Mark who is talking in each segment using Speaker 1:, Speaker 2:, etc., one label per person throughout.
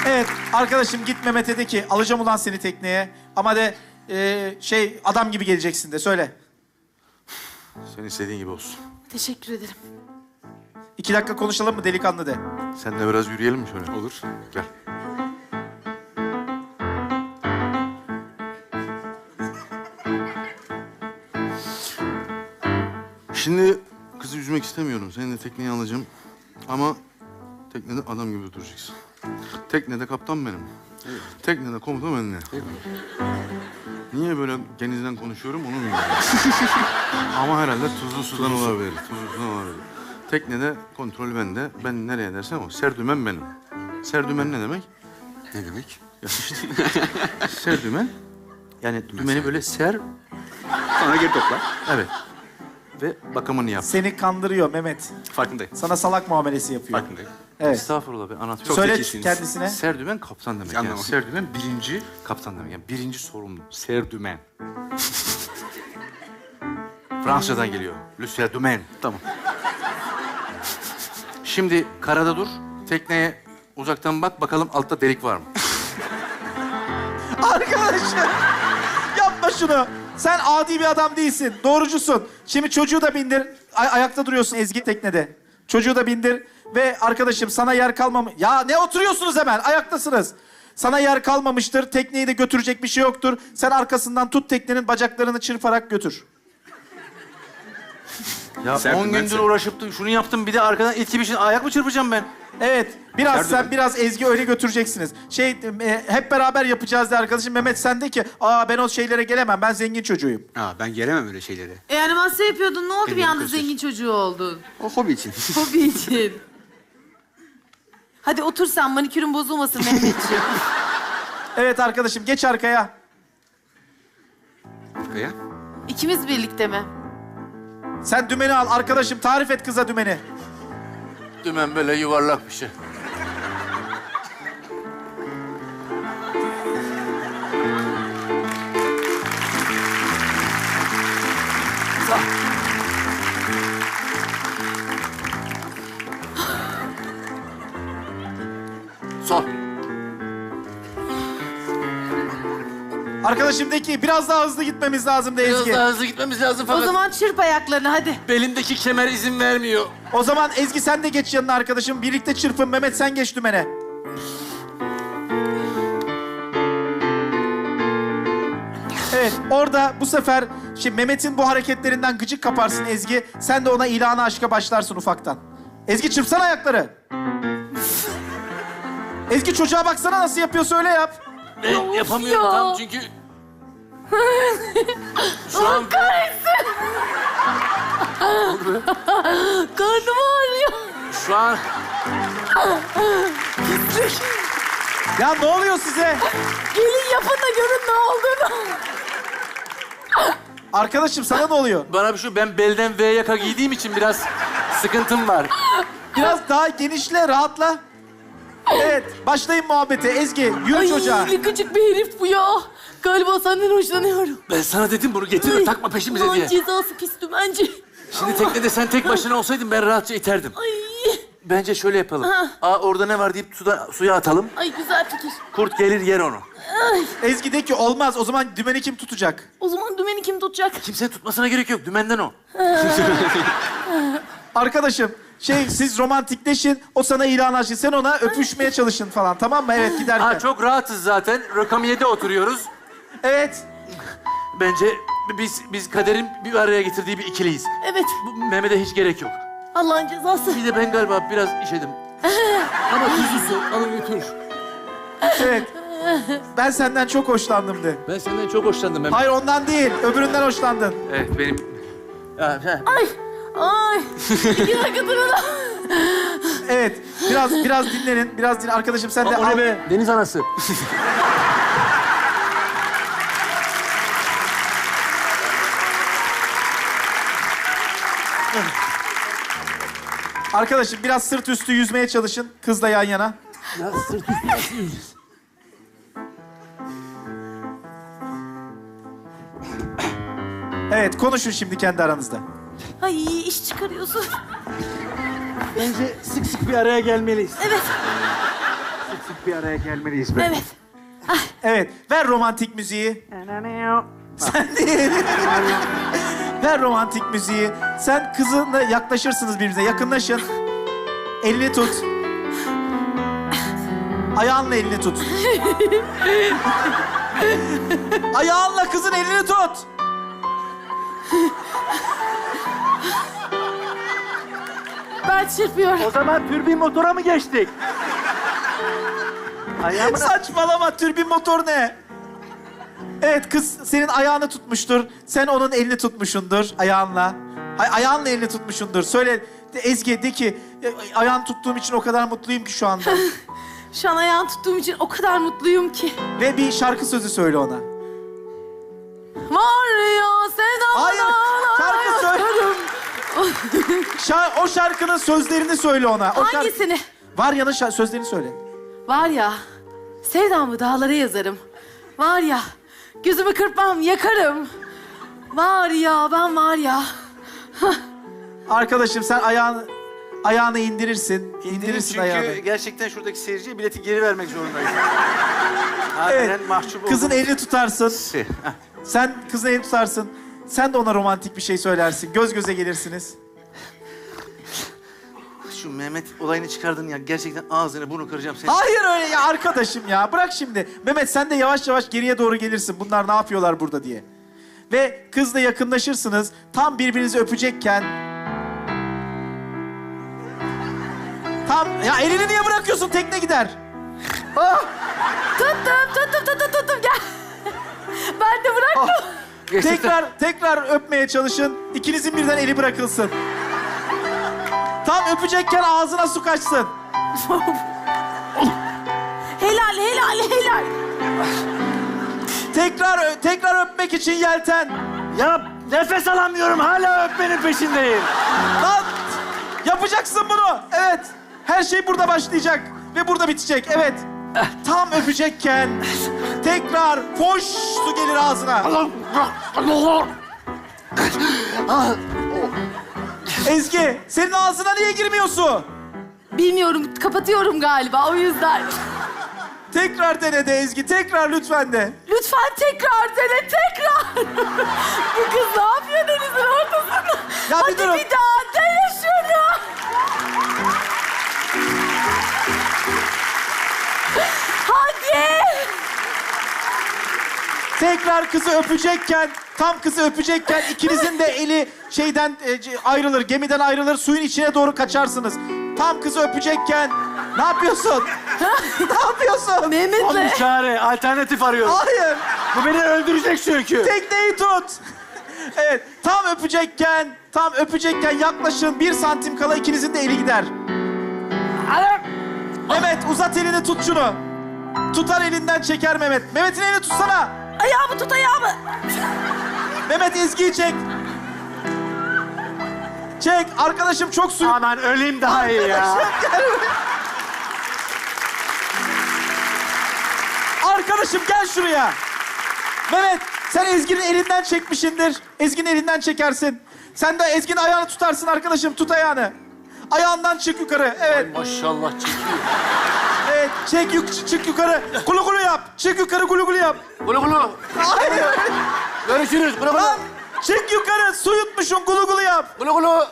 Speaker 1: Evet arkadaşım git Mehmet'e de ki alacağım ulan seni tekneye. Ama de adam gibi geleceksin de söyle.
Speaker 2: Senin istediğin gibi olsun.
Speaker 3: Teşekkür ederim.
Speaker 1: 2 dakika konuşalım mı delikanlı de.
Speaker 2: Sen de biraz yürüyelim mi şöyle?
Speaker 4: Olur.
Speaker 2: Gel. Şimdi kızı üzmek istemiyorum. Seni de tekneye alacağım. Ama teknede adam gibi duracaksın. Teknede kaptan benim. Teknede komutan benimle. Niye böyle genizden konuşuyorum onu bilmiyorum. Ama herhalde tuzlu sudan olabilir. Tuzlu sudan olabilir. Teknede kontrol bende. Ben nereye dersem o. Serdümen benim. Serdümen ne demek?
Speaker 4: Ne demek?
Speaker 2: Ya işte, serdümen. Yani dümeni böyle ser.
Speaker 4: Sonra geri topla.
Speaker 2: Evet. Ve bakımını yap.
Speaker 1: Seni kandırıyor Mehmet.
Speaker 4: Farkındayım.
Speaker 1: Sana salak muamelesi yapıyor.
Speaker 4: Farkındayım.
Speaker 1: Evet.
Speaker 2: Estağfurullah be anlatıyorum.
Speaker 4: Çok
Speaker 1: Söyle
Speaker 4: zekisiniz.
Speaker 1: kendisine.
Speaker 2: Serdümen kaptan demek yani.
Speaker 4: Anlamadım.
Speaker 2: Serdümen birinci kaptan demek. Yani birinci sorumlu. Serdümen. Fransızcadan geliyor. Le serdümen.
Speaker 4: Tamam.
Speaker 2: Şimdi karada dur. Tekneye uzaktan bak bakalım altta delik var mı?
Speaker 1: Arkadaşım yapma şunu. Sen adi bir adam değilsin. Doğrucusun. Şimdi çocuğu da bindir. Ayakta duruyorsun Ezgi teknede. Çocuğu da bindir. Ve arkadaşım sana yer kalmamış... Ya ne oturuyorsunuz hemen? Ayaktasınız. Sana yer kalmamıştır. Tekneyi de götürecek bir şey yoktur. Sen arkasından tut teknenin bacaklarını çırparak götür.
Speaker 2: Ya
Speaker 4: Serdümen
Speaker 2: 10 gündür
Speaker 4: sen.
Speaker 2: uğraşıp da şunu yaptım bir de arkadan it gibi ayak mı çırpacağım ben?
Speaker 1: Evet. Biraz
Speaker 4: Serdümen.
Speaker 1: sen biraz Ezgi öyle götüreceksiniz. Hep beraber yapacağız de arkadaşım. Mehmet sen de ki ben o şeylere gelemem. Ben zengin çocuğuyum.
Speaker 4: Ben gelemem öyle şeylere.
Speaker 3: Animasyon yapıyordun. Ne oldu bir
Speaker 4: Elini
Speaker 3: anda
Speaker 4: göster.
Speaker 3: zengin çocuğu oldun?
Speaker 4: O hobi için.
Speaker 3: Hobi için. Hadi otur sen. Manikürün bozulmasın Mehmetciğim.
Speaker 1: Evet arkadaşım geç arkaya.
Speaker 4: Kaya.
Speaker 3: İkimiz birlikte mi?
Speaker 1: Sen dümeni al arkadaşım. Tarif et kıza dümeni.
Speaker 2: Dümen böyle yuvarlak bir şey. Sol.
Speaker 1: Arkadaşım de ki biraz daha hızlı gitmemiz lazım de
Speaker 2: Biraz
Speaker 1: Ezgi.
Speaker 2: daha hızlı gitmemiz lazım
Speaker 3: O
Speaker 2: fakat
Speaker 3: zaman çırp ayaklarını hadi.
Speaker 2: belimdeki kemer izin vermiyor.
Speaker 1: O zaman Ezgi sen de geç yanına arkadaşım. Birlikte çırpın. Mehmet sen geç dümene. Evet orada bu sefer şimdi Mehmet'in bu hareketlerinden gıcık kaparsın Ezgi. Sen de ona ilanı aşka başlarsın ufaktan. Ezgi çırpsana ayakları. Ezgi çocuğa baksana nasıl yapıyorsa öyle yap.
Speaker 2: Ben yapamıyorum
Speaker 3: ya.
Speaker 2: tam çünkü... Şu an...
Speaker 3: Karnım ağrıyor.
Speaker 2: Şu an...
Speaker 1: Ya ne oluyor size?
Speaker 3: Gelin yapın da görün ne olduğunu.
Speaker 1: Arkadaşım sana ne oluyor?
Speaker 2: Bana bir şey... Ben belden V yaka giydiğim için biraz sıkıntım var.
Speaker 1: Biraz daha genişle, rahatla. Evet, başlayın muhabbete. Ezgi, yürü çocuğa.
Speaker 3: Ne gıcık bir herif bu ya. Galiba senden hoşlanıyorum.
Speaker 2: Ben sana dedim bunu getirme, takma peşimize
Speaker 3: Ulan
Speaker 2: diye.
Speaker 3: cezası pis dümenci.
Speaker 2: Şimdi teknede sen tek başına olsaydın ben rahatça iterdim.
Speaker 3: Ay,
Speaker 2: Bence şöyle yapalım. Orada ne var deyip suya atalım.
Speaker 3: ay güzel fikir.
Speaker 2: Kurt gelir yer onu.
Speaker 1: Ezgi de ki olmaz. O zaman dümeni kim tutacak?
Speaker 3: O zaman dümeni kim tutacak?
Speaker 2: Kimsenin tutmasına gerek yok. Dümenden o.
Speaker 1: Arkadaşım, siz romantikleşin. O sana ilan açsın. Sen ona öpüşmeye çalışın falan. Tamam mı? Evet, giderken.
Speaker 2: Çok rahatız zaten. Rökamiye'de oturuyoruz.
Speaker 1: Evet.
Speaker 2: Bence biz kaderin bir araya getirdiği bir ikiliyiz.
Speaker 3: Evet,
Speaker 2: Bu Mehmet'e hiç gerek yok.
Speaker 3: Allah'ın cezası.
Speaker 2: Bir de ben galiba biraz işedim. Ama tuzlu su. Alın götür.
Speaker 1: Evet. Ben senden çok hoşlandım de.
Speaker 2: Ben senden çok hoşlandım Mehmet.
Speaker 1: Hayır ondan değil. Öbüründen hoşlandın.
Speaker 2: Evet benim...
Speaker 3: Ay, ay. İki dakika durun.
Speaker 1: Evet. Biraz dinlenin. Biraz dinle. Arkadaşım sen de
Speaker 2: O ne be? Deniz anası.
Speaker 1: Arkadaşım biraz sırt üstü yüzmeye çalışın. Kızla yan yana.
Speaker 2: Ya sırt üstü nasıl yüzeceğiz?
Speaker 1: Evet, konuşun şimdi kendi aranızda.
Speaker 3: Ay, iş çıkarıyorsun.
Speaker 2: Bence sık sık bir araya gelmeliyiz.
Speaker 3: Evet.
Speaker 2: Sık sık
Speaker 5: bir araya gelmeliyiz be.
Speaker 3: Evet.
Speaker 1: Evet, ver romantik müziği. Sen değil. Ver romantik müziği. Sen kızınla yaklaşırsınız birbirinize. Yakınlaşın. Elini tut. Ayağınla elini tut. Ayağınla kızın elini tut.
Speaker 3: Ben çırpıyorum.
Speaker 5: O zaman türbin motora mı geçtik? Ayağımın
Speaker 1: Saçmalama, türbin motor ne? Evet, kız senin ayağını tutmuştur. Sen onun elini tutmuşsundur ayağınla. Ayağınla elini tutmuşsundur. Söyle Ezgi, de ki ayağını tuttuğum için o kadar mutluyum ki şu anda.
Speaker 3: Şu an ayağını tuttuğum için o kadar mutluyum ki.
Speaker 1: Ve bir şarkı sözü söyle ona.
Speaker 3: Var ya sevdamdan
Speaker 1: Hayır, şarkı söyle. O şarkının sözlerini söyle ona. O
Speaker 3: Hangisini?
Speaker 1: Var yanın sözlerini söyle.
Speaker 3: Var ya, sevdamı dağlara yazarım. Var ya, gözümü kırpmam, yakarım. Var ya, ben var ya.
Speaker 1: Arkadaşım sen ayağını indirirsin. İndirirsin
Speaker 5: çünkü
Speaker 1: ayağını.
Speaker 5: gerçekten şuradaki seyirciye bileti geri vermek zorundayız. Harbiden
Speaker 1: Evet.
Speaker 5: mahcup
Speaker 1: Kızın
Speaker 5: oldum.
Speaker 1: elini tutarsın.
Speaker 5: Heh.
Speaker 1: Sen kızın elini tutarsın. Sen de ona romantik bir şey söylersin. Göz göze gelirsiniz.
Speaker 5: Şu Mehmet olayını çıkardın ya. Gerçekten ağzını bunu kıracağım seni.
Speaker 1: Hayır öyle ya arkadaşım ya. Bırak şimdi. Mehmet sen de yavaş yavaş geriye doğru gelirsin. Bunlar ne yapıyorlar burada diye. Ve kızla yakınlaşırsınız. Tam birbirinizi öpecekken... Ya elini niye bırakıyorsun? Tekne gider.
Speaker 3: Tuttum, gel. Ben de bıraktım.
Speaker 1: Tekrar öpmeye çalışın. İkinizin birden eli bırakılsın. Tam öpecekken ağzına su kaçsın.
Speaker 3: Helal.
Speaker 1: Tekrar öpmek için yelten.
Speaker 5: Ya nefes alamıyorum. Hala öpmenin peşindeyim.
Speaker 1: Lan yapacaksın bunu. Evet. Her şey burada başlayacak ve burada bitecek. Evet. Tam öpecekken tekrar foş su gelir ağzına. Ezgi, senin ağzına niye girmiyor su?
Speaker 3: Bilmiyorum, kapatıyorum galiba o yüzden.
Speaker 1: Tekrar dene de Ezgi, tekrar lütfen de.
Speaker 3: Lütfen tekrar dene, tekrar. Bu kız ne yapıyor denizin ortasında?
Speaker 1: Ya bir
Speaker 3: Hadi
Speaker 1: durun.
Speaker 3: bir daha dene şunu. Hadi.
Speaker 1: Tekrar kızı öpecekken, tam kızı öpecekken ikinizin de eli şeyden ayrılır, gemiden ayrılır, suyun içine doğru kaçarsınız. Tam kızı öpecekken ne yapıyorsun? Ne yapıyorsun?
Speaker 5: Son bir
Speaker 3: Mehmet'le.
Speaker 5: çare. Alternatif arıyorum.
Speaker 1: Hayır.
Speaker 5: Bu beni öldürecek çünkü.
Speaker 1: Tekneyi tut. Evet, tam öpecekken yaklaşın. 1 santim kala ikinizin de eli gider. Mehmet uzat elini, tut şunu. Tutar elinden çeker Mehmet. Mehmet'in elini tutsana.
Speaker 3: Ayağımı tut, ayağımı.
Speaker 1: Mehmet Ezgi'yi çek. Çek. Arkadaşım çok su.
Speaker 5: Aman öleyim daha iyi ya.
Speaker 1: Arkadaşım gel şuraya. Mehmet sen Ezgi'nin elinden çekmişindir. Ezgi'nin elinden çekersin. Sen de Ezgi'nin ayağını tutarsın arkadaşım. Tut ayağını. Ayağından çık yukarı. Evet.
Speaker 5: Maşallah çekiyor.
Speaker 1: Evet. Çık yukarı. Gulu gulu yap. Çık yukarı gulu gulu yap.
Speaker 5: Gulu gulu.
Speaker 1: Hayır.
Speaker 5: Görüşürüz. Gulu gulu.
Speaker 1: Lan çık yukarı. Su yutmuşsun. Gulu gulu yap.
Speaker 5: Gulu gulu.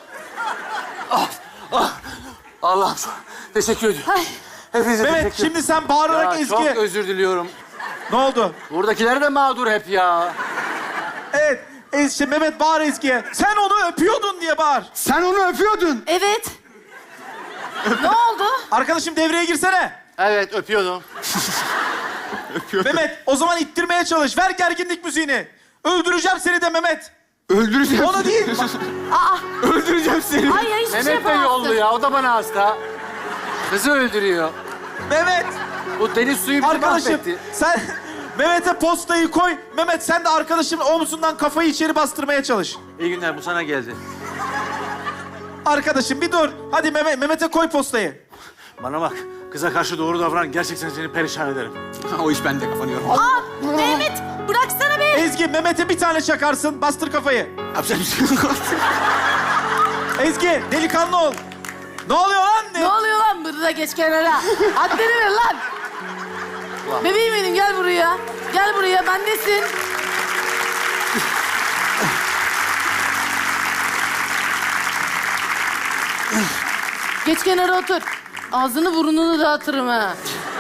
Speaker 5: Allah'ım teşekkür ediyorum.
Speaker 3: Ay.
Speaker 5: Hepinize
Speaker 1: Mehmet
Speaker 5: teşekkür
Speaker 1: şimdi sen bağırarak
Speaker 5: Ya, çok
Speaker 1: Ezgi'ye...
Speaker 5: özür diliyorum.
Speaker 1: Ne oldu?
Speaker 5: Buradakiler de mağdur hep ya.
Speaker 1: Evet. Mehmet bağır Ezgi'ye. Sen onu öpüyordun diye bağır.
Speaker 2: Sen onu öpüyordun.
Speaker 3: Evet. Ne oldu?
Speaker 1: Arkadaşım devreye girsene.
Speaker 5: Evet öpüyordum.
Speaker 1: Mehmet o zaman ittirmeye çalış. Ver gerginlik müziğini. Öldüreceğim seni de Mehmet.
Speaker 2: Öldüreceğim.
Speaker 1: Onu değil.
Speaker 3: Aa,
Speaker 2: Öldüreceğim seni.
Speaker 3: hayır hiçbir şey
Speaker 5: Mehmet de
Speaker 3: yapamazsın.
Speaker 5: yollu ya. O da bana hasta. Kızı öldürüyor.
Speaker 1: Mehmet.
Speaker 5: Bu deniz suyu bizi
Speaker 1: Arkadaşım
Speaker 5: mahvetti.
Speaker 1: sen Mehmet'e postayı koy. Mehmet sen de arkadaşımın omzundan kafayı içeri bastırmaya çalış.
Speaker 5: İyi günler bu sana geldi.
Speaker 1: Arkadaşım bir dur. Hadi Mehmet'e koy postayı.
Speaker 5: Bana bak. Kıza karşı doğru davran. Gerçekten seni perişan ederim.
Speaker 4: O iş bende kafanı yorma.
Speaker 3: Aa, Mehmet bıraksana beni.
Speaker 1: Ezgi Mehmet'e bir tane çakarsın. Bastır kafayı.
Speaker 4: Yapacak bir şey yok.
Speaker 1: Ezgi delikanlı ol. Ne oluyor lan?
Speaker 3: Ne oluyor lan? Burada geç kenara. Haddini ver lan. Bebeğim benim gel buraya. Gel buraya bendesin. Geç kenara otur. Ağzını burnunu dağıtırım ha.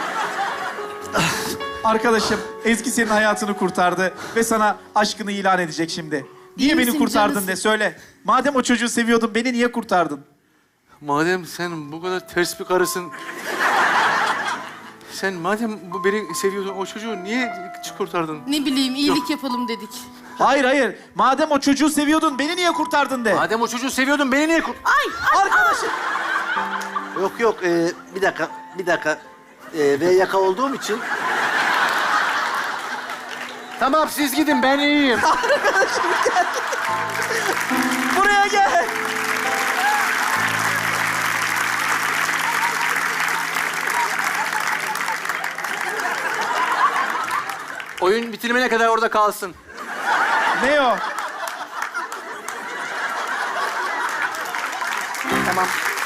Speaker 1: Arkadaşım Ezgi senin hayatını kurtardı ve sana aşkını ilan edecek şimdi. Niye beni
Speaker 3: misin,
Speaker 1: kurtardın
Speaker 3: canısın?
Speaker 1: de söyle. Madem o çocuğu seviyordun beni niye kurtardın?
Speaker 2: Madem sen bu kadar ters bir karısın... Sen madem beni seviyordun, o çocuğu niye kurtardın?
Speaker 3: Ne bileyim iyilik yapalım dedik.
Speaker 1: Hayır hayır. Madem o çocuğu seviyordun beni niye kurtardın de.
Speaker 5: Madem o çocuğu seviyordun beni niye
Speaker 1: Arkadaşım.
Speaker 6: Yok yok bir dakika. V yaka olduğum için
Speaker 5: Tamam siz gidin ben iyiyim.
Speaker 1: Buraya gel.
Speaker 5: Oyun bitirmene kadar orada kalsın.
Speaker 1: Ne o?
Speaker 5: Tamam.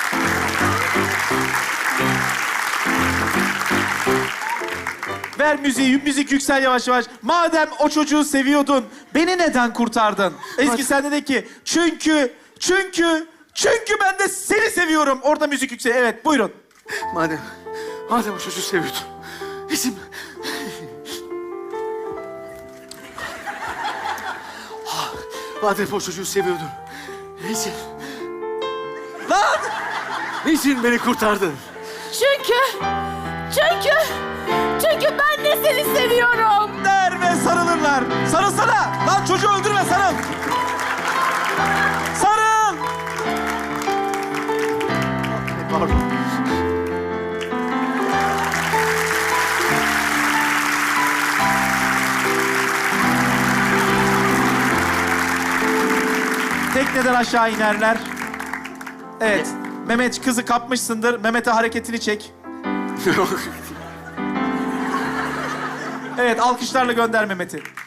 Speaker 1: Ver müziği, müzik yüksel yavaş yavaş. Madem o çocuğu seviyordun, beni neden kurtardın? Ezgi sen de ki, çünkü ben de seni seviyorum. Orada müzik yüksel. Evet, buyurun.
Speaker 2: Madem o çocuğu seviyordun. İzin... Madem o çocuğu seviyordun. Niçin?
Speaker 1: Lan!
Speaker 2: Niçin beni kurtardın?
Speaker 3: Çünkü ben de seni seviyorum.
Speaker 1: Der ve sarılırlar. Sarılsana! Lan çocuğu öldürme, sarıl! Sarıl!
Speaker 6: pardon.
Speaker 1: Tekneden aşağı inerler. Evet. Mehmet kızı kapmışsındır. Mehmet'e hareketini çek. Evet, alkışlarla gönder Mehmet'i.